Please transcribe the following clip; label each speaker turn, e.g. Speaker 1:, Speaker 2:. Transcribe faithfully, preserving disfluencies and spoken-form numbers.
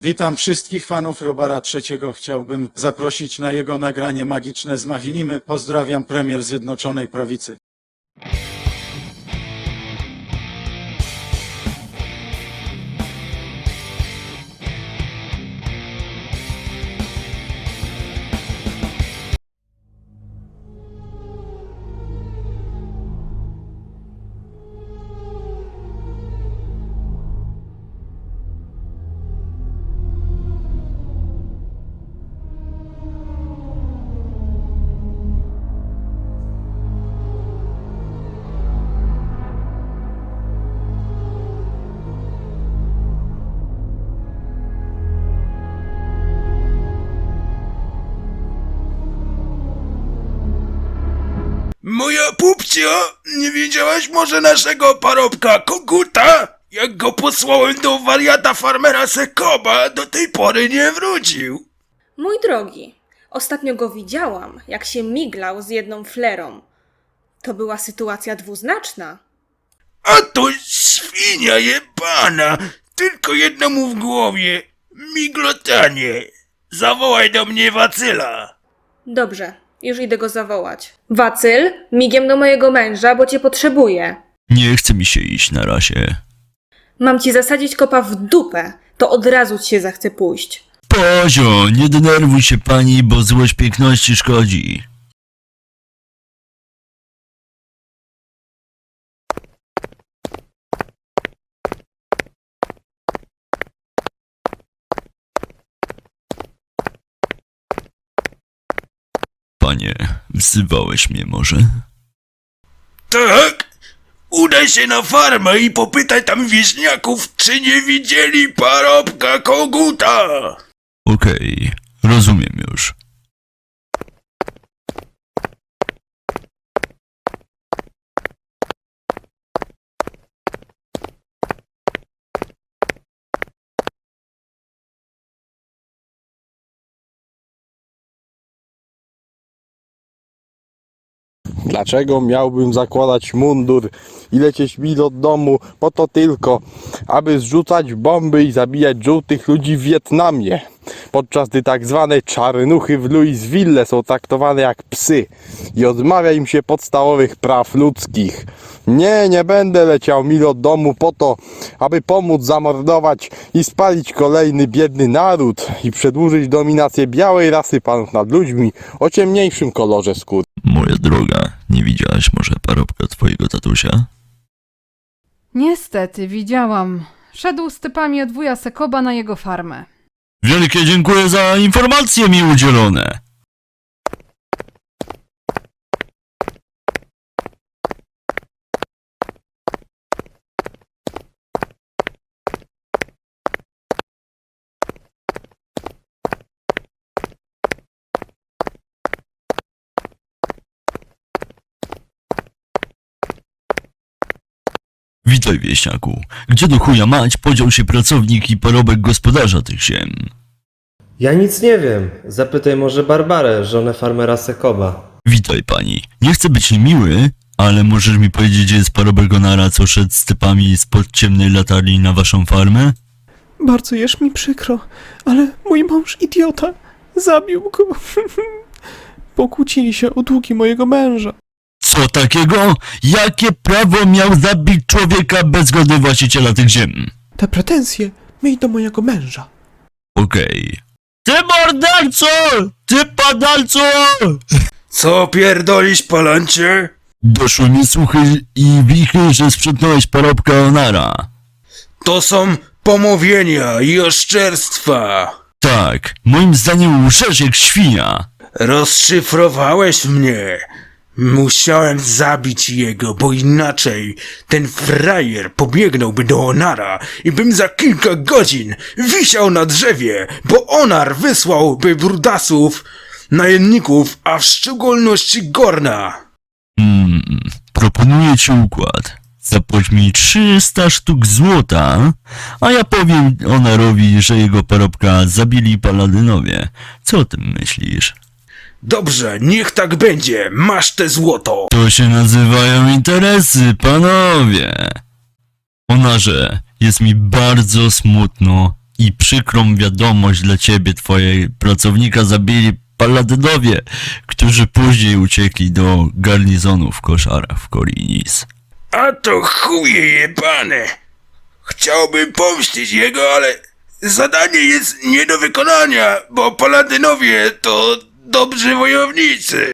Speaker 1: Witam wszystkich fanów Robara trzeciego. Chciałbym zaprosić na jego nagranie magiczne z Machinimy. Pozdrawiam, premier Zjednoczonej Prawicy.
Speaker 2: Moja pupcio, nie widziałaś może naszego parobka Koguta? Jak go posłałem do wariata farmera Sekoba, do tej pory nie wrócił.
Speaker 3: Mój drogi, ostatnio go widziałam, jak się miglał z jedną flerą. To była sytuacja dwuznaczna.
Speaker 2: A to świnia jebana, tylko jedno mu w głowie, miglotanie. Zawołaj do mnie Wacyla.
Speaker 3: Dobrze, już idę go zawołać. Wacyl, migiem do mojego męża, bo cię potrzebuję.
Speaker 4: Nie chce mi się iść na razie.
Speaker 3: Mam ci zasadzić kopa w dupę, to od razu ci się zachce pójść.
Speaker 4: Pozio, nie denerwuj się pani, bo złość piękności szkodzi. Panie, wzywałeś mnie może?
Speaker 2: Tak? Udaj się na farmę i popytaj tam wieśniaków, czy nie widzieli parobka Koguta.
Speaker 4: Okej, rozumiem już.
Speaker 5: Dlaczego miałbym zakładać mundur i lecieć mil od domu po to tylko, aby zrzucać bomby i zabijać żółtych ludzi w Wietnamie, podczas gdy tak zwane czarnuchy w Louisville są traktowane jak psy i odmawia im się podstawowych praw ludzkich. Nie, nie będę leciał mil od domu po to, aby pomóc zamordować i spalić kolejny biedny naród i przedłużyć dominację białej rasy panów nad ludźmi o ciemniejszym kolorze skóry.
Speaker 4: Moja droga, nie widziałaś może parobka twojego tatusia?
Speaker 6: Niestety, widziałam. Szedł z typami od wuja Sekoba na jego farmę.
Speaker 4: Wielkie dziękuję za informacje mi udzielone. Witaj, wieśniaku. Gdzie do chuja mać podział się pracownik i parobek gospodarza tych ziem?
Speaker 7: Ja nic nie wiem. Zapytaj może Barbarę, żonę farmera Sekoba.
Speaker 4: Witaj, pani. Nie chcę być niemiły, ale możesz mi powiedzieć, gdzie jest parobek Onara, co szedł z typami spod ciemnej latarni na waszą farmę?
Speaker 8: Bardzo jest mi przykro, ale mój mąż idiota zabił go. Pokłócili się o długi mojego męża.
Speaker 4: Co takiego? Jakie prawo miał zabić człowieka bez zgody właściciela tych ziem?
Speaker 8: Te pretensje miej do mojego męża.
Speaker 4: Okej. Ty morderco! Ty padalco!
Speaker 2: Co pierdolisz, palancie?
Speaker 4: Doszły mi słuchy i wichy, że sprzątnąłeś parobka Onara.
Speaker 2: To są pomówienia i oszczerstwa.
Speaker 4: Tak, moim zdaniem łżesz jak świnia.
Speaker 2: Rozszyfrowałeś mnie. Musiałem zabić jego, bo inaczej ten frajer pobiegnąłby do Onara i bym za kilka godzin wisiał na drzewie, bo Onar wysłałby brudasów, najemników, a w szczególności Gorna.
Speaker 4: Hmm, proponuję ci układ. Zapłać mi trzysta sztuk złota, a ja powiem Onarowi, że jego parobka zabili paladynowie. Co o tym myślisz?
Speaker 2: Dobrze, niech tak będzie, masz te złoto.
Speaker 4: To się nazywają interesy, panowie. Onarze, jest mi bardzo smutno i przykrą wiadomość dla ciebie, twojej pracownika zabili paladynowie, którzy później uciekli do garnizonu w koszarach w Korinis.
Speaker 2: A to chuje jebane. Chciałbym pomścić jego, ale zadanie jest nie do wykonania, bo paladynowie to dobrzy wojownicy.